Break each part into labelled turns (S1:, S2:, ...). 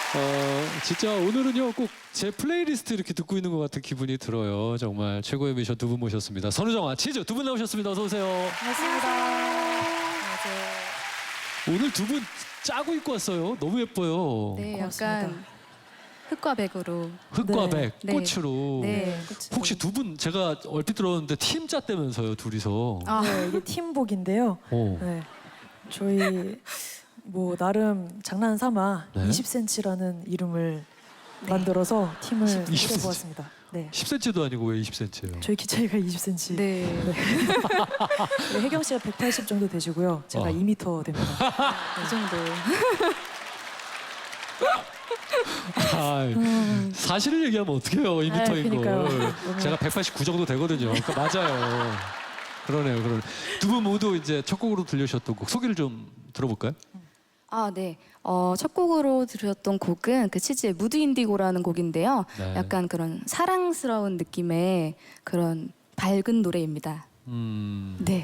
S1: 진짜 오늘은요 꼭 제 플레이리스트 이렇게 듣고 있는 것 같은 기분이 들어요. 정말 최고의 미션 두 분 모셨습니다. 선우정아, 치즈 두 분 나오셨습니다. 어서 오세요.
S2: 반갑습니다. 안녕하세요.
S1: 오늘 두 분 짜고 입고 왔어요. 너무 예뻐요.
S2: 네,
S3: 고맙습니다.
S2: 약간 흑과 백으로.
S1: 흑과
S3: 네.
S1: 백,
S2: 네.
S1: 꽃으로.
S2: 네.
S1: 혹시 두 분 제가 얼핏 들었는데 팀 짰다면서요, 둘이서.
S2: 아,
S3: 네, 이게 팀복인데요.
S1: 어.
S3: 네, 저희 뭐 나름 장난삼아
S1: 네?
S3: 20cm라는 이름을
S2: 네.
S3: 만들어서 팀을
S1: 20cm.
S3: 꾸려보았습니다. 네,
S1: 10cm도 아니고 왜 20cm예요?
S3: 저희 키 차이가 20cm.
S2: 네.
S3: 네, 혜경 씨가 180 정도 되시고요. 제가
S1: 어.
S3: 2m 됩니다.
S2: 이 정도.
S1: 사실을 얘기하면 어떡해요, 2m인
S3: 그러니까요.
S1: 걸.
S3: 너무-
S1: 제가 189 정도 되거든요. 그러니까 맞아요. 그러네요, 그러네. 두 분 모두 이제 첫 곡으로 들려주셨던 곡 소개를 좀 들어볼까요?
S2: 아, 네. 첫 곡으로 들으셨던 곡은 그 치즈의 무드 인디고라는 곡인데요.
S1: 네.
S2: 약간 그런 사랑스러운 느낌의 그런 밝은 노래입니다. 네.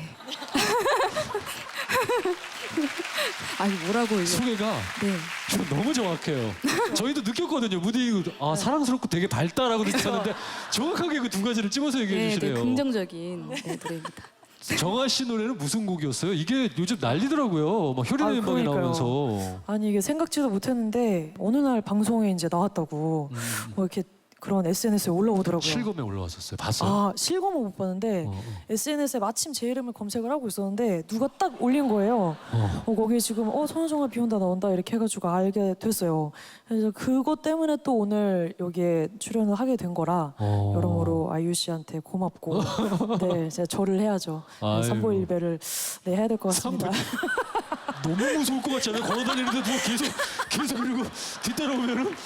S2: 아니 뭐라고 이거.
S1: 소개가
S2: 네.
S1: 좀 너무 정확해요. 저희도 느꼈거든요. 무디 사랑스럽고 되게 밝다라고 느꼈는데 정확하게 그 두 가지를 찍어서 얘기해
S2: 네,
S1: 주시네요.
S2: 되게 긍정적인 네, 노래입니다.
S1: 정아 씨 노래는 무슨 곡이었어요? 이게 요즘 난리더라고요. 막 효린
S3: 아,
S1: 멤버이
S3: 그러니까요.
S1: 나오면서.
S3: 아니 이게 생각지도 못했는데 어느 날 방송에 이제 나왔다고 뭐 이렇게 그런 SNS에 올라오더라고요.
S1: 실검에 올라왔었어요. 봤어요?
S3: 아, 실검은 못 봤는데 SNS에 마침 제 이름을 검색을 하고 있었는데 누가 딱 올린 거예요. 거기에 지금 선우정아 비 온다 나온다 이렇게 해가지고 알게 됐어요. 그래서 그것 때문에 또 오늘 여기에 출연을 하게 된 거라 여러모로 아이유 씨한테 고맙고 네, 제가 절을 해야죠.
S1: 아이고.
S3: 삼보일배를 네, 해야 될 것 같습니다.
S1: 너무 무서울 것 같지 않아요? 걸어다니는데 누가 계속 그리고 뒤따라오면은.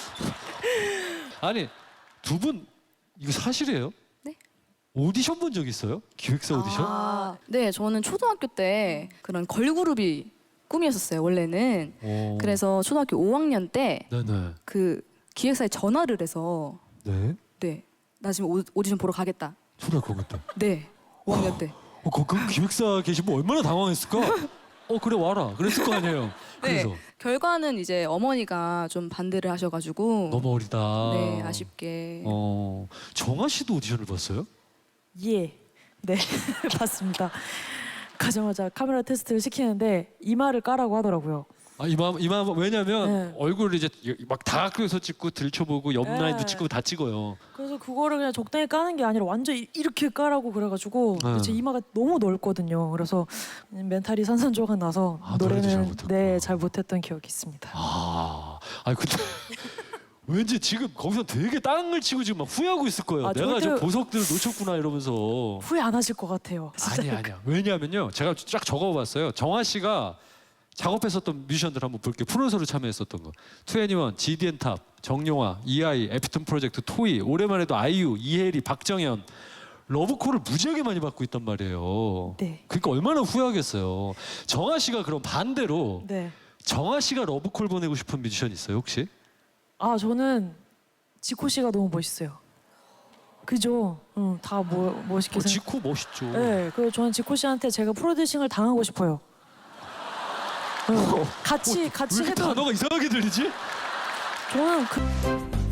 S1: 아니 두 분 이거 사실이에요?
S2: 네.
S1: 오디션 본 적 있어요? 기획사 오디션?
S2: 네, 저는 초등학교 때 그런 걸그룹이 꿈이었었어요, 원래는. 그래서 초등학교 5학년 때
S1: 네네.
S2: 그 기획사에 전화를 해서
S1: 네.
S2: 네, 나 지금 오디션 보러 가겠다.
S1: 초등학교 때.
S2: 네, 5학년 때.
S1: 그 기획사 계신 분 얼마나 당황했을까? 그래 와라. 그랬을 거 아니에요.
S2: 네,
S1: 그래서
S2: 결과는 이제 어머니가 좀 반대를 하셔가지고
S1: 너무 어리다.
S2: 네, 아쉽게.
S1: 정아 씨도 오디션을 봤어요?
S3: 예, 네, 봤습니다. 가자마자 카메라 테스트를 시키는데 이마를 까라고 하더라고요.
S1: 이마 왜냐면
S3: 네.
S1: 얼굴을 이제 막 다학교에서 찍고 들춰보고 옆
S3: 네.
S1: 라인도 찍고 다 찍어요.
S3: 그래서 그거를 그냥 적당히 까는 게 아니라 완전 이렇게 까라고 그래가지고
S1: 네.
S3: 제 이마가 너무 넓거든요. 그래서 멘탈이 산산조각 나서
S1: 노래도 잘
S3: 노래는
S1: 못했구나.
S3: 네, 잘 못했던 기억이 있습니다.
S1: 근데 왠지 지금 거기서 되게 땅을 치고 지금 막 후회하고 있을 거예요.
S3: 아,
S1: 내가 저
S3: 절대-
S1: 보석들을 놓쳤구나 이러면서.
S3: 후회 안 하실 것 같아요. 진짜.
S1: 아니야. 왜냐하면요, 제가 쫙 적어봤어요. 정아 씨가 작업했었던 뮤지션들 한번 볼게요. 프로듀서로 참여했었던 거. 2NE1, GDN탑, 정용화, EI, 애프터 프로젝트, 토이, 오랜만에도 아이유, 이혜리, 박정현. 러브콜을 무지하게 많이 받고 있단 말이에요.
S3: 네.
S1: 그러니까 얼마나 후회하겠어요. 정아 씨가 그럼 반대로
S3: 네.
S1: 정아 씨가 러브콜 보내고 싶은 뮤지션 있어요 혹시?
S3: 저는 지코 씨가 너무 멋있어요. 그죠? 다 멋있게 생각.
S1: 지코 멋있죠.
S3: 네, 그래서 저는 지코 씨한테 제가 프로듀싱을 당하고 싶어요. 같이
S1: 왜 이렇게
S3: 해도
S1: 단어가 이상하게 들리지?
S3: 저는